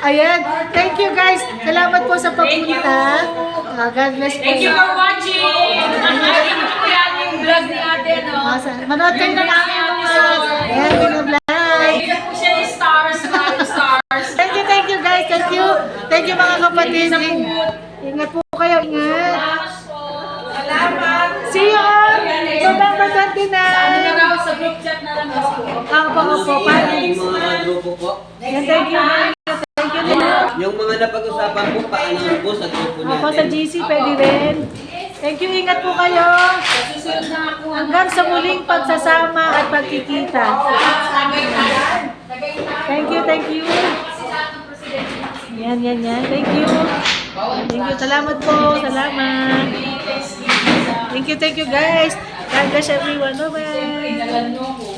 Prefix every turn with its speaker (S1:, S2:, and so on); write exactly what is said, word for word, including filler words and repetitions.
S1: Ayan. Thank you guys. Salamat po sa pagpunta. Uh, God bless po.
S2: Thank you for watching. Nakikita ko yan yung vlog ni ate, no?
S1: Manood kayo ng aming mga ayan, mga vlog.
S2: Hindi po siya yung stars, mga stars.
S1: Thank you, thank you guys. Thank you. Thank you mga kapatid. Ingat po kayo. Ingat.
S2: Salamat.
S1: See you on November twenty-nine.
S2: Ano na raw sa group chat na lang kasi.
S1: Ako po, ako po.
S3: Yung mga grupo po.
S1: Thank you. Thank you.
S3: Yung mga napag-usapan po, paano po sa grupo natin.
S1: Ako sa G C, pwede rin. Thank you. Ingat po kayo.
S2: Susunod na ako.
S1: Hanggang sa muling pagsasama at pagkikita. Thank you, thank you. Yan, yan, yan. Thank you. Thank you. Salamat po. Salamat. Thank you, thank you guys. God bless everyone. Bye-bye.